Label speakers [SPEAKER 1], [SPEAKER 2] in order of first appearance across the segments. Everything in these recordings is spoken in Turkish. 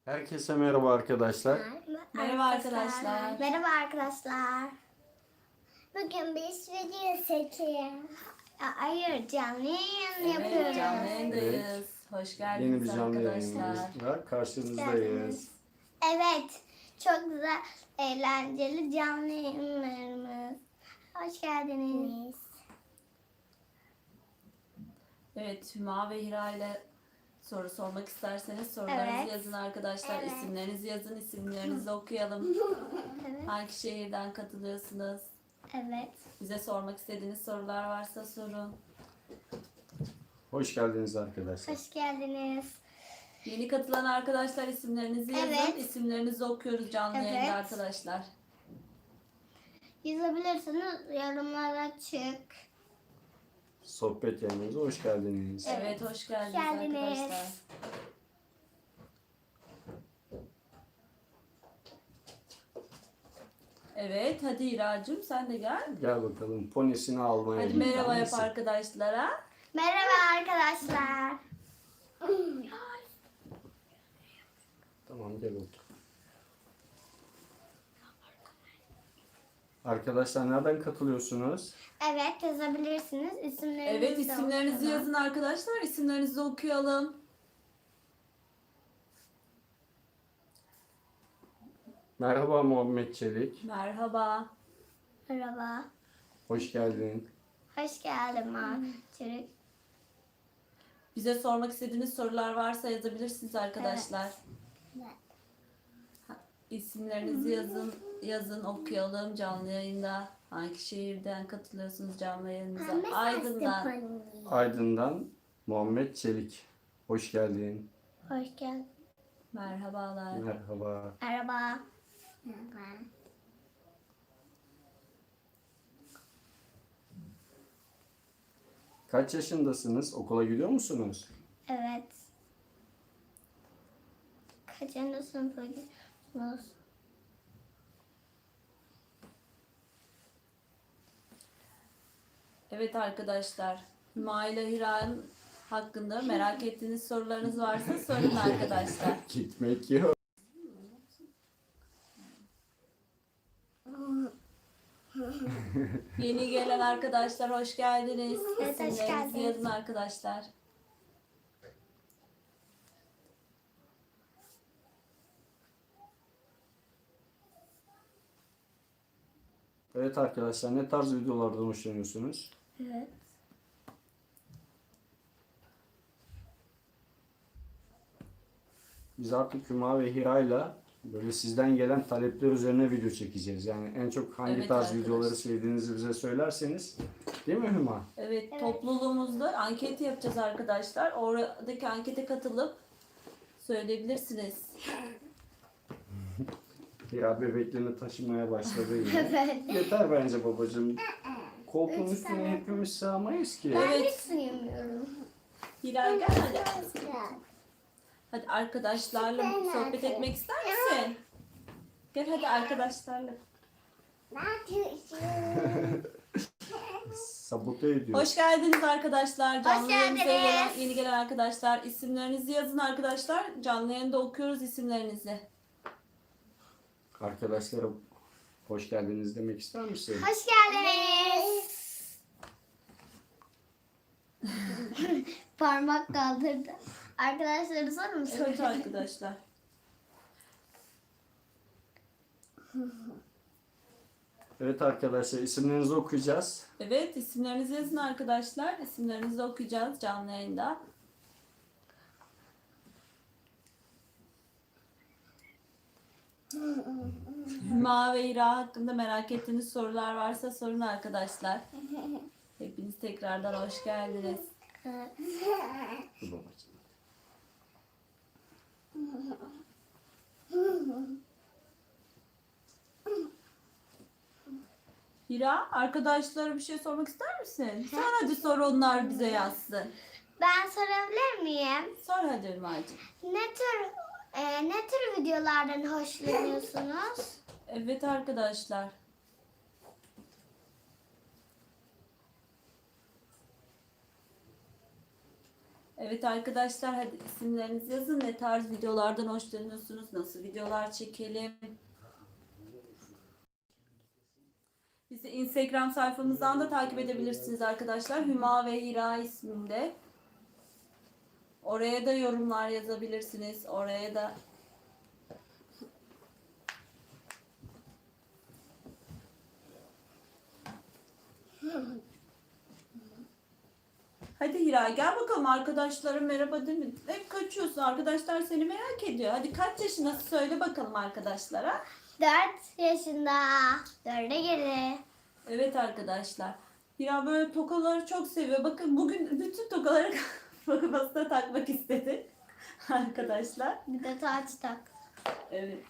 [SPEAKER 1] Herkese merhaba arkadaşlar.
[SPEAKER 2] Merhaba arkadaşlar.
[SPEAKER 3] Merhaba arkadaşlar. Bugün biz video çekiyoruz. Hayır, canlı yayın yapıyoruz.
[SPEAKER 2] Evet, canlı yayındayız.
[SPEAKER 1] Evet.
[SPEAKER 2] Hoş
[SPEAKER 1] Yeni
[SPEAKER 2] geldiniz
[SPEAKER 1] bir canlı
[SPEAKER 2] arkadaşlar.
[SPEAKER 1] yayınımız var. Karşınızdayız.
[SPEAKER 3] Evet, çok güzel, eğlenceli canlı yayınlarımız. Hoş geldiniz.
[SPEAKER 2] Evet, Hüma ve Hira ile soru sormak isterseniz sorularınızı
[SPEAKER 3] Evet.
[SPEAKER 2] yazın arkadaşlar.
[SPEAKER 3] Evet.
[SPEAKER 2] İsimlerinizi yazın, isimlerinizi okuyalım.
[SPEAKER 3] Evet.
[SPEAKER 2] Hangi şehirden katılıyorsunuz?
[SPEAKER 3] Evet.
[SPEAKER 2] Bize sormak istediğiniz sorular varsa sorun.
[SPEAKER 1] Hoş geldiniz arkadaşlar.
[SPEAKER 3] Hoş geldiniz.
[SPEAKER 2] Yeni katılan arkadaşlar isimlerinizi yazın.
[SPEAKER 3] Evet.
[SPEAKER 2] İsimlerinizi okuyoruz canlı
[SPEAKER 3] Evet.
[SPEAKER 2] yayında arkadaşlar.
[SPEAKER 3] Yazabilirsiniz, yorumlara açık.
[SPEAKER 1] Sohbet yayınımıza hoş geldiniz.
[SPEAKER 2] Evet, hoş geldiniz
[SPEAKER 3] Geldiniz.
[SPEAKER 2] arkadaşlar. Evet, hadi Hiracığım sen de gel.
[SPEAKER 1] Gel bakalım ponisini almaya
[SPEAKER 2] Hadi
[SPEAKER 1] gittin
[SPEAKER 2] merhaba yap
[SPEAKER 1] misin?
[SPEAKER 2] arkadaşlara.
[SPEAKER 3] Merhaba arkadaşlar.
[SPEAKER 1] Tamam gel otur. Arkadaşlar nereden katılıyorsunuz?
[SPEAKER 3] Evet, yazabilirsiniz. İsimlerinizi
[SPEAKER 2] Evet,
[SPEAKER 3] de
[SPEAKER 2] isimlerinizi
[SPEAKER 3] okuyalım.
[SPEAKER 2] yazın arkadaşlar. İsimlerinizi okuyalım.
[SPEAKER 1] Merhaba Muhammed Çelik.
[SPEAKER 2] Merhaba.
[SPEAKER 3] Merhaba.
[SPEAKER 1] Hoş geldin.
[SPEAKER 3] Hoş geldin Çocuk.
[SPEAKER 2] Bize sormak istediğiniz sorular varsa yazabilirsiniz arkadaşlar.
[SPEAKER 3] Evet.
[SPEAKER 2] İsimlerinizi yazın okuyalım canlı yayında. Hangi şehirden katılıyorsunuz canlı yayınımıza? Aydın'dan.
[SPEAKER 1] Aydın'dan Muhammed Çelik. Hoş geldin.
[SPEAKER 3] Hoş geldin.
[SPEAKER 2] Merhabalar.
[SPEAKER 1] Merhaba.
[SPEAKER 3] Merhaba. Merhaba.
[SPEAKER 1] Kaç yaşındasınız? Okula gidiyor musunuz?
[SPEAKER 3] Evet. Kaçıncı sınıfa gidiyorsunuz?
[SPEAKER 2] Evet arkadaşlar. Hüma ile Hira'nın hakkında merak ettiğiniz sorularınız varsa sorun arkadaşlar.
[SPEAKER 1] Gitmek yok.
[SPEAKER 2] Yeni gelen arkadaşlar hoş geldiniz.
[SPEAKER 3] Evet, hoş
[SPEAKER 2] İsimlerinizi
[SPEAKER 3] geldiniz.
[SPEAKER 2] yazın arkadaşlar.
[SPEAKER 1] Evet arkadaşlar ne tarz videolardan hoşlanıyorsunuz?
[SPEAKER 3] Evet.
[SPEAKER 1] Biz artık Hüma ve Hira'yla böyle sizden gelen talepler üzerine video çekeceğiz. Yani en çok hangi
[SPEAKER 2] Evet
[SPEAKER 1] tarz
[SPEAKER 2] arkadaşlar.
[SPEAKER 1] videoları sevdiğinizi bize söylerseniz. Değil mi Hüma?
[SPEAKER 2] Evet, topluluğumuzda anket yapacağız arkadaşlar. Oradaki ankete katılıp söyleyebilirsiniz.
[SPEAKER 1] Hira bebeklerini taşımaya başladı yine.
[SPEAKER 3] Evet.
[SPEAKER 1] Yeter bence babacığım. Koltuğun üstüne hepimiz sığamayız ki.
[SPEAKER 3] Ben
[SPEAKER 2] Evet.
[SPEAKER 3] hiç suyumuyorum.
[SPEAKER 2] Hilal gel hadi. Hadi arkadaşlarla sohbet etmek ister misin? Gel hadi arkadaşlarla.
[SPEAKER 1] Sabote ediyor.
[SPEAKER 2] Hoş geldiniz arkadaşlar. Canlı yayınımıza
[SPEAKER 3] geldiniz.
[SPEAKER 2] yeni gelen arkadaşlar. İsimlerinizi yazın arkadaşlar. Canlı yayında okuyoruz isimlerinizi.
[SPEAKER 1] Arkadaşlara hoş geldiniz demek ister misin?
[SPEAKER 3] Hoş geldiniz. Parmak kaldırdı. Arkadaşları soru mu
[SPEAKER 2] Evet
[SPEAKER 3] soracak?
[SPEAKER 2] arkadaşlar.
[SPEAKER 1] Evet arkadaşlar isimlerinizi okuyacağız.
[SPEAKER 2] Evet isimlerinizi yazın arkadaşlar. İsimlerinizi okuyacağız canlı yayında. Hüma ve İra hakkında merak ettiğiniz sorular varsa sorun arkadaşlar. Hepiniz tekrardan hoş geldiniz.
[SPEAKER 1] Dur babacığım.
[SPEAKER 2] Hira arkadaşlara bir şey sormak ister misin? Sor hadi sor onlar bize yazsın.
[SPEAKER 3] Ben sorabilir miyim?
[SPEAKER 2] Sor hadi Hümacığım.
[SPEAKER 3] Ne tür videolardan hoşlanıyorsunuz?
[SPEAKER 2] Evet arkadaşlar. Evet arkadaşlar, hadi isimlerinizi yazın. Ne tarz videolardan hoşlanıyorsunuz? Nasıl videolar çekelim? Bizi Instagram sayfamızdan da takip edebilirsiniz arkadaşlar. Hüma ve Hira isminde. Oraya da yorumlar yazabilirsiniz. Oraya da hadi Hira gel bakalım, arkadaşlarım merhaba değil mi? Hep kaçıyorsun, arkadaşlar seni merak ediyor. Hadi kaç yaşındasın söyle bakalım arkadaşlara.
[SPEAKER 3] 4 yaşında. 4'e geri.
[SPEAKER 2] Evet arkadaşlar. Hira böyle tokaları çok seviyor. Bakın bugün bütün tokaları kafasına takmak istedi. Arkadaşlar.
[SPEAKER 3] Bir de taç tak.
[SPEAKER 2] Evet.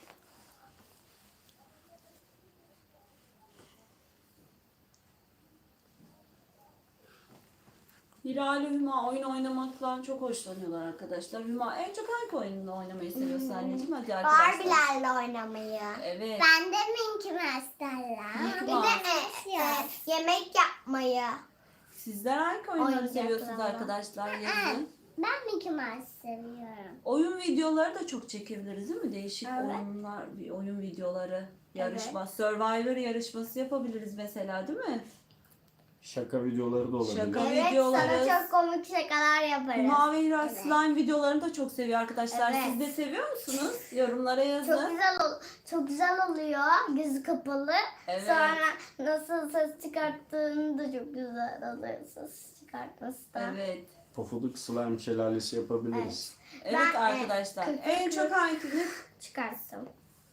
[SPEAKER 2] Hira ile Hüma oyun oynamaktan çok hoşlanıyorlar arkadaşlar. Hüma en çok hangi oyununu oynamayı seviyorsun anneciğim? Hadi arkadaşlar.
[SPEAKER 3] Barbie'lerle oynamayı.
[SPEAKER 2] Evet.
[SPEAKER 3] Ben de Minky Mouse'larla. Bir de yemek yapmayı.
[SPEAKER 2] Sizler hangi oyunları
[SPEAKER 3] Oyuncaklarla.
[SPEAKER 2] seviyorsunuz arkadaşlar? Yazın.
[SPEAKER 3] Ben Mickey Mouse seviyorum.
[SPEAKER 2] Oyun videoları da çok çekebiliriz değil mi? Değişik
[SPEAKER 3] Evet.
[SPEAKER 2] oyunlar, oyun videoları, yarışma, Survivor yarışması yapabiliriz mesela değil mi?
[SPEAKER 1] Şaka videoları da olabilir.
[SPEAKER 2] Şaka.
[SPEAKER 3] Evet,
[SPEAKER 2] Videoları.
[SPEAKER 3] sana çok komik şakalar yaparız.
[SPEAKER 2] Hüma ve Hira
[SPEAKER 3] Evet.
[SPEAKER 2] slime videolarını da çok seviyor arkadaşlar.
[SPEAKER 3] Evet.
[SPEAKER 2] Siz de seviyor musunuz? Yorumlara yazın.
[SPEAKER 3] Çok güzel oluyor. Gözü kapalı.
[SPEAKER 2] Evet.
[SPEAKER 3] Sonra nasıl ses çıkarttığını da çok güzel oluyor. Ses çıkartması da.
[SPEAKER 2] Evet.
[SPEAKER 1] Pofuduk slime şelalesi yapabiliriz.
[SPEAKER 2] Evet
[SPEAKER 3] Ben,
[SPEAKER 2] arkadaşlar. En çok hanginiz?
[SPEAKER 3] Çıkarttım.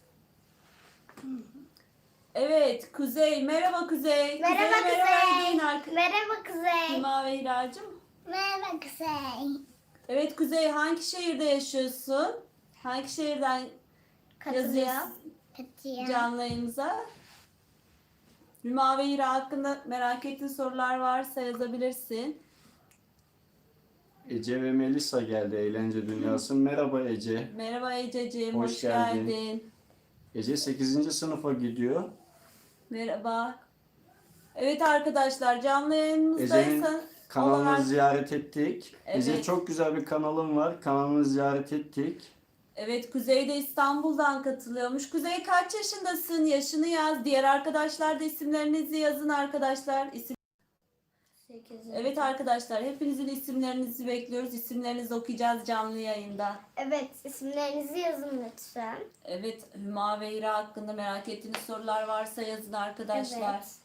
[SPEAKER 2] Evet, Kuzey. Merhaba Kuzey.
[SPEAKER 3] Merhaba
[SPEAKER 2] Kuzey'e
[SPEAKER 3] Kuzey.
[SPEAKER 2] deyin arka-
[SPEAKER 3] Merhaba Kuzey.
[SPEAKER 2] Hüma ve Hiracığım.
[SPEAKER 3] Merhaba Kuzey.
[SPEAKER 2] Evet Kuzey, hangi şehirde yaşıyorsun? Hangi şehirden yazıyorsun
[SPEAKER 3] Katıyor.
[SPEAKER 2] canlı yayınımıza? Hüma ve Hira hakkında merak ettiğin sorular varsa yazabilirsin.
[SPEAKER 1] Ece ve Melisa geldi Eğlence Dünyası. Merhaba Ece.
[SPEAKER 2] Merhaba Ececiğim,
[SPEAKER 1] Hoş
[SPEAKER 2] hoş
[SPEAKER 1] geldin.
[SPEAKER 2] geldin.
[SPEAKER 1] Ece 8. sınıfa gidiyor.
[SPEAKER 2] Merhaba. Evet arkadaşlar, canlı
[SPEAKER 1] Ece'nin
[SPEAKER 2] yayınımızdaysan
[SPEAKER 1] kanalını
[SPEAKER 2] olarak-
[SPEAKER 1] ziyaret ettik. Ece
[SPEAKER 2] Evet.
[SPEAKER 1] çok güzel bir kanalım var. Kanalını ziyaret ettik.
[SPEAKER 2] Evet, Kuzey de İstanbul'dan katılıyormuş. Kuzey kaç yaşındasın? Yaşını yaz. Diğer arkadaşlar da isimlerinizi yazın arkadaşlar. Evet arkadaşlar, hepinizin isimlerinizi bekliyoruz. İsimlerinizi okuyacağız canlı yayında.
[SPEAKER 3] Evet, isimlerinizi yazın lütfen.
[SPEAKER 2] Evet, Hüma ve Hira hakkında merak ettiğiniz sorular varsa yazın arkadaşlar.
[SPEAKER 3] Evet.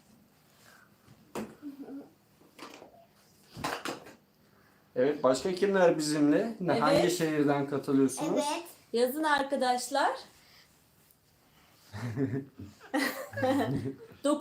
[SPEAKER 1] Evet, başka kimler bizimle?
[SPEAKER 2] Evet.
[SPEAKER 1] Hangi şehirden katılıyorsunuz?
[SPEAKER 3] Evet.
[SPEAKER 2] Yazın arkadaşlar.